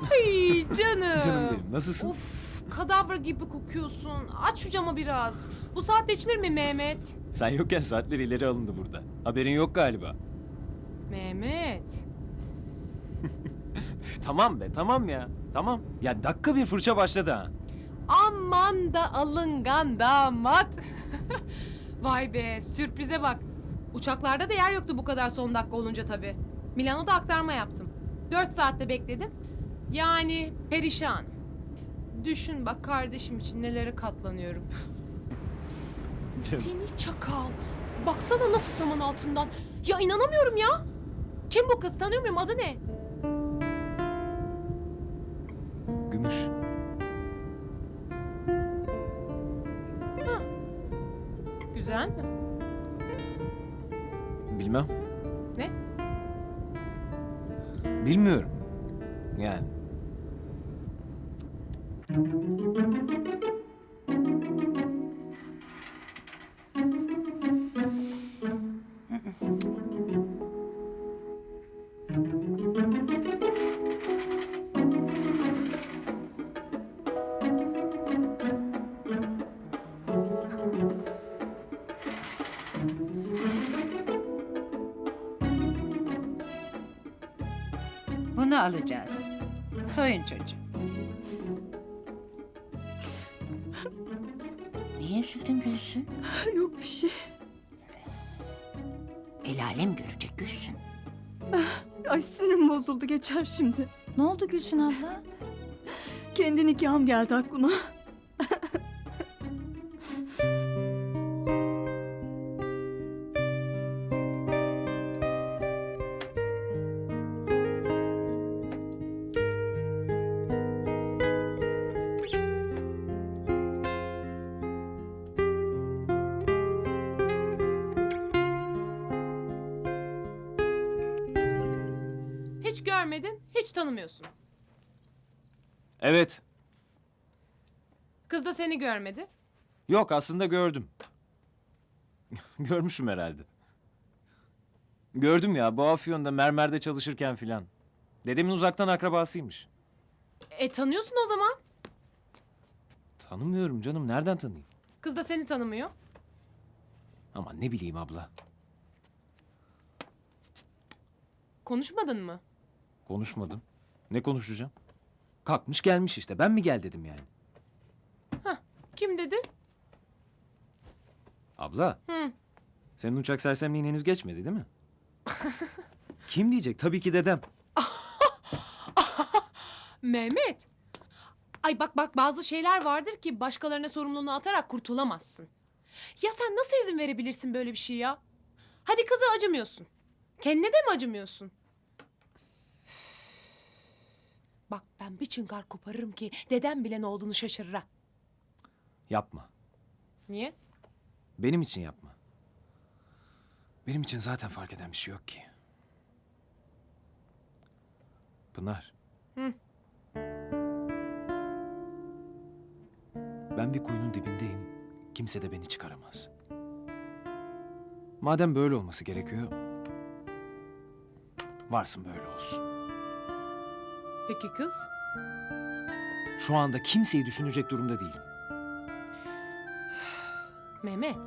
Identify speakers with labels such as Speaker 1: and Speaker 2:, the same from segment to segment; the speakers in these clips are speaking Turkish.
Speaker 1: Ay canım.
Speaker 2: Canım benim, nasılsın?
Speaker 1: Of, kadavra gibi kokuyorsun. Aç şu camı biraz. Bu saatte içilir mi Mehmet?
Speaker 2: Sen yokken saatler ileri alındı burada. Haberin yok galiba.
Speaker 1: Mehmet.
Speaker 2: Üf, tamam be, tamam ya. Tamam. Ya dakika bir fırça başladı ha.
Speaker 1: Aman da alıngan damat. Vay be, sürprize bak. Uçaklarda da yer yoktu bu kadar son dakika olunca tabii. Milano'da aktarma yaptım. 4 saatte bekledim. Yani perişan. Düşün bak kardeşim için nelere katlanıyorum.
Speaker 2: Canım.
Speaker 1: Seni çakal. Baksana nasıl saman altından. Ya inanamıyorum ya. Kim bu kız? Tanıyor muyum? Adı ne?
Speaker 2: Gümüş.
Speaker 1: Güzel mi?
Speaker 2: Bilmem.
Speaker 1: Ne?
Speaker 2: Bilmiyorum. Yani.
Speaker 3: Bunu alacağız. Soyun çocuğu. Niye üzüldün Gülsün?
Speaker 4: Yok bir şey.
Speaker 3: El alem görecek Gülsün.
Speaker 4: Ay sinirim bozuldu, geçer şimdi.
Speaker 3: Ne oldu Gülsün abla?
Speaker 4: Kendi nikahım geldi aklıma.
Speaker 1: Hiç görmedin, hiç tanımıyorsun.
Speaker 2: Evet.
Speaker 1: Kız da seni görmedi.
Speaker 2: Yok, aslında gördüm. Görmüşüm herhalde. Gördüm ya, bu Afyon'da mermerde çalışırken filan. Dedemin uzaktan akrabasıymış.
Speaker 1: Tanıyorsun o zaman.
Speaker 2: Tanımıyorum canım, nereden tanıyayım?
Speaker 1: Kız da seni tanımıyor.
Speaker 2: Ama ne bileyim abla.
Speaker 1: Konuşmadın mı?
Speaker 2: Konuşmadım. Ne konuşacağım? Kalkmış gelmiş işte. Ben mi gel dedim yani.
Speaker 1: Kim dedi?
Speaker 2: Abla,
Speaker 1: Hı.
Speaker 2: senin uçak sersemliğin henüz geçmedi değil mi? Kim diyecek? Tabii ki dedem.
Speaker 1: Mehmet. Ay bak bazı şeyler vardır ki başkalarına sorumluluğunu atarak kurtulamazsın. Ya sen nasıl izin verebilirsin böyle bir şey ya? Hadi kıza acımıyorsun. Kendine de mi acımıyorsun? Bak ben bir çıngar koparırım ki dedem bile ne olduğunu şaşırır ha.
Speaker 2: Yapma.
Speaker 1: Niye?
Speaker 2: Benim için yapma. Benim için zaten fark eden bir şey yok ki. Pınar.
Speaker 1: Hı.
Speaker 2: Ben bir kuyunun dibindeyim. Kimse de beni çıkaramaz. Madem böyle olması gerekiyor, varsın böyle olsun.
Speaker 1: Peki kız?
Speaker 2: Şu anda kimseyi düşünecek durumda değilim.
Speaker 1: Mehmet.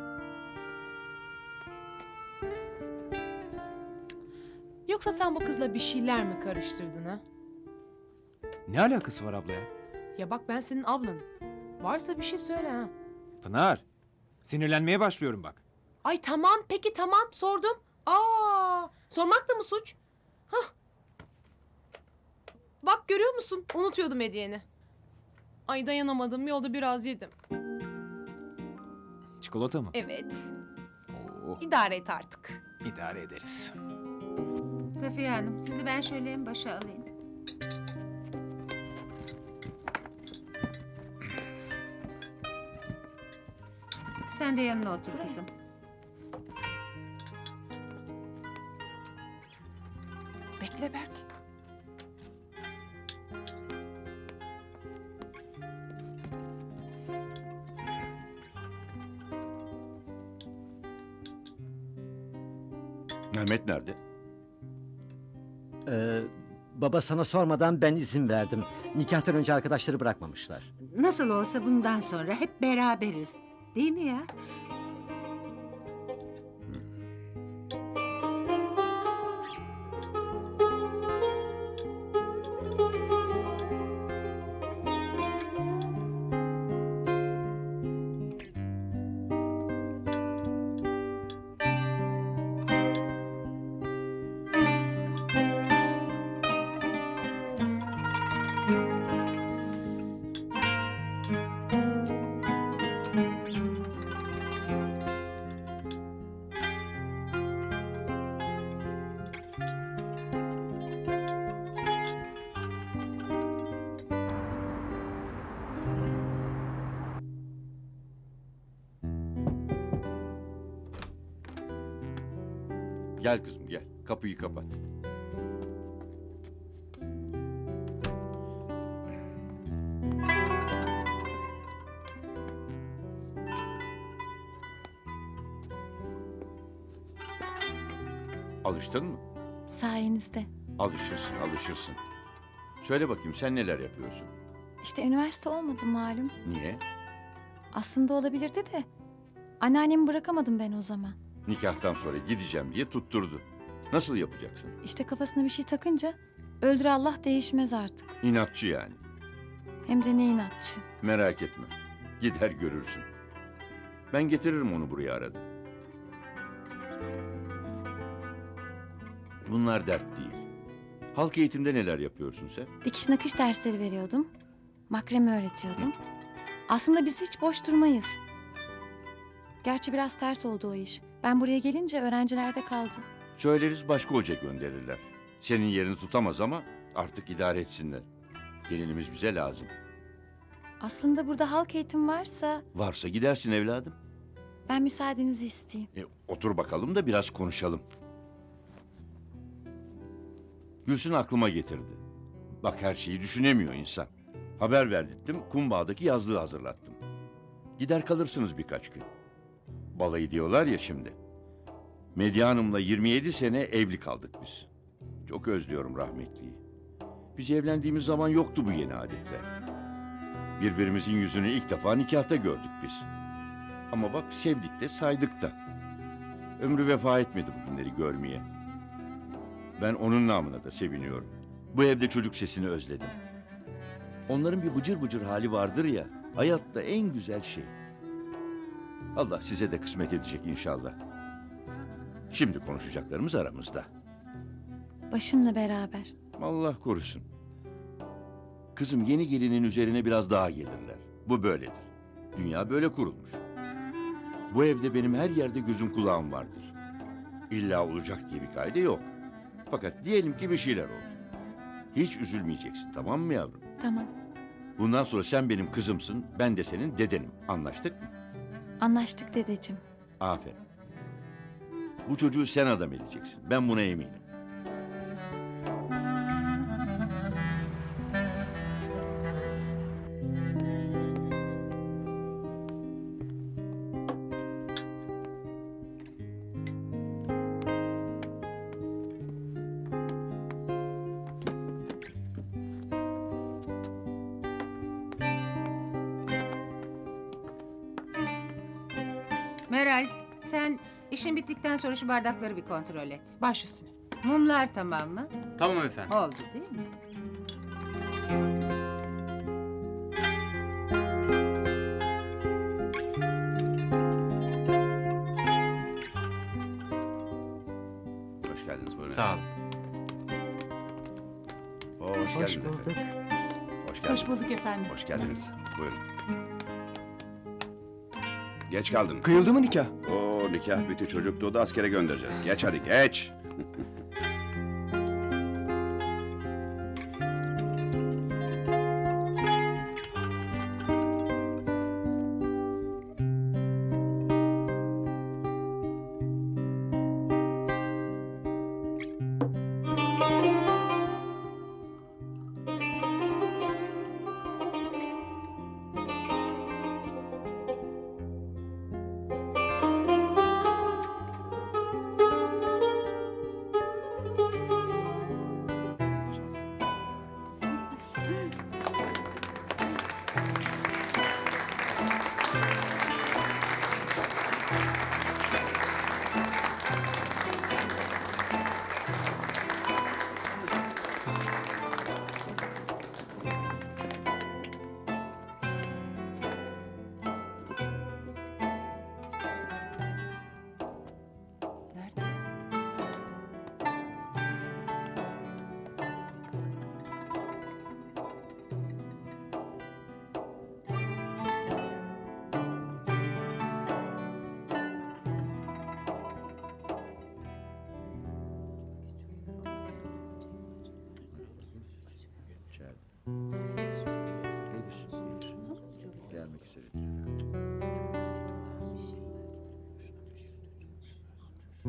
Speaker 1: Yoksa sen bu kızla bir şeyler mi karıştırdın ha?
Speaker 2: Ne alakası var abla ya?
Speaker 1: Ya bak ben senin ablanım. Varsa bir şey söyle ha.
Speaker 2: Pınar, sinirlenmeye başlıyorum bak.
Speaker 1: Ay tamam peki tamam sordum. Sormak da mı suç? Hah. Bak görüyor musun? Unutuyordum hediyeni. Ay dayanamadım yolda biraz yedim.
Speaker 2: Çikolata mı?
Speaker 1: Evet.
Speaker 2: Oo,
Speaker 1: İdare et artık.
Speaker 2: idare ederiz.
Speaker 3: Safiye Hanım, sizi ben şöyle en başa alayım. Sen de yanına otur kızım.
Speaker 1: Bekle Berk.
Speaker 5: Mehmet nerede? Baba sana sormadan ben izin verdim. Nikahtan önce arkadaşları bırakmamışlar.
Speaker 3: Nasıl olsa bundan sonra hep beraberiz. Değil mi ya?
Speaker 6: Gel kızım gel. Kapıyı kapat. Alıştın mı?
Speaker 7: Sayenizde.
Speaker 6: Alışırsın, alışırsın. Söyle bakayım sen neler yapıyorsun?
Speaker 7: İşte üniversite olmadı malum.
Speaker 6: Niye?
Speaker 7: Aslında olabilirdi de. Anneannemi bırakamadım ben o zaman.
Speaker 6: Nikahtan sonra gideceğim diye tutturdu. Nasıl yapacaksın?
Speaker 7: İşte kafasına bir şey takınca öldür Allah değişmez artık.
Speaker 6: İnatçı yani.
Speaker 7: Hem de ne inatçı.
Speaker 6: Merak etme. Gider görürsün. Ben getiririm onu buraya arada. Bunlar dert değil. Halk eğitimde neler yapıyorsun sen?
Speaker 7: Dikiş nakış dersleri veriyordum. Makreme öğretiyordum. Aslında biz hiç boş durmayız. Gerçi biraz ters oldu o iş. Ben buraya gelince öğrencilerde kaldı.
Speaker 6: Söyleriz başka hoca gönderirler. Senin yerini tutamaz ama artık idare etsinler. Gelinimiz bize lazım.
Speaker 7: Aslında burada halk eğitim varsa
Speaker 6: Varsa gidersin evladım.
Speaker 7: ben müsaadenizi isteyeyim.
Speaker 6: Otur bakalım da biraz konuşalım. Gülsün aklıma getirdi. Bak her şeyi düşünemiyor insan. Haber verdirttim, Kumbağa'daki yazlığı hazırlattım. Gider kalırsınız birkaç gün. Balayı diyorlar ya şimdi. Medya Hanım'la 27 sene evli kaldık biz. Çok özlüyorum rahmetliyi. Biz evlendiğimiz zaman yoktu bu yeni adetler. Birbirimizin yüzünü ilk defa nikahta gördük biz. Ama bak sevdik de saydık da. Ömrü vefa etmedi bu günleri görmeye. Ben onun namına da seviniyorum. Bu evde çocuk sesini özledim. Onların bir bıcır bıcır hali vardır ya, hayatta en güzel şey. Allah size de kısmet edecek inşallah. Şimdi konuşacaklarımız aramızda.
Speaker 7: Başımla beraber.
Speaker 6: Allah korusun. Kızım yeni gelinin üzerine biraz daha gelirler. Bu böyledir. Dünya böyle kurulmuş. Bu evde benim her yerde gözüm kulağım vardır. İlla olacak diye bir kaide yok. Fakat diyelim ki bir şeyler oldu. Hiç üzülmeyeceksin, tamam mı yavrum?
Speaker 7: Tamam.
Speaker 6: Bundan sonra sen benim kızımsın, ben de senin dedenim. Anlaştık mı?
Speaker 7: Anlaştık dedeciğim.
Speaker 6: Aferin. Bu çocuğu sen adam edeceksin. Ben buna eminim.
Speaker 3: Meral, sen işin bittikten sonra şu bardakları bir kontrol et.
Speaker 1: Baş üstüne.
Speaker 3: Mumlar tamam mı?
Speaker 8: Tamam efendim.
Speaker 3: Oldu değil mi?
Speaker 9: Hoş geldiniz buyurun.
Speaker 8: Sağ olun.
Speaker 9: Hoş geldiniz efendim. Hoş geldiniz.
Speaker 1: Hoş bulduk efendim.
Speaker 9: Hoş geldiniz. Buyurun. Geç kaldın.
Speaker 10: Kıyıldı mı nikah?
Speaker 9: Oo nikah bitti, çocuk doğdu, askere göndereceğiz. Geç hadi geç.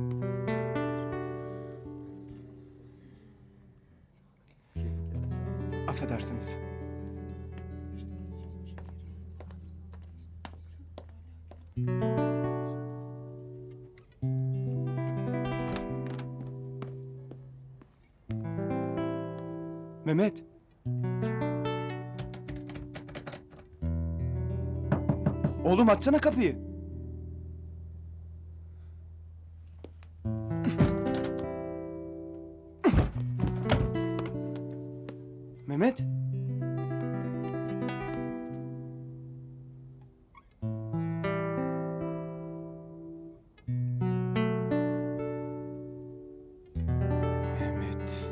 Speaker 8: Affedersiniz. Mehmet. Oğlum açsana kapıyı. Mehmet. Mehmet.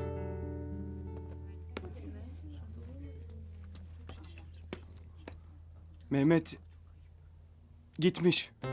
Speaker 8: Mehmet gitmiş.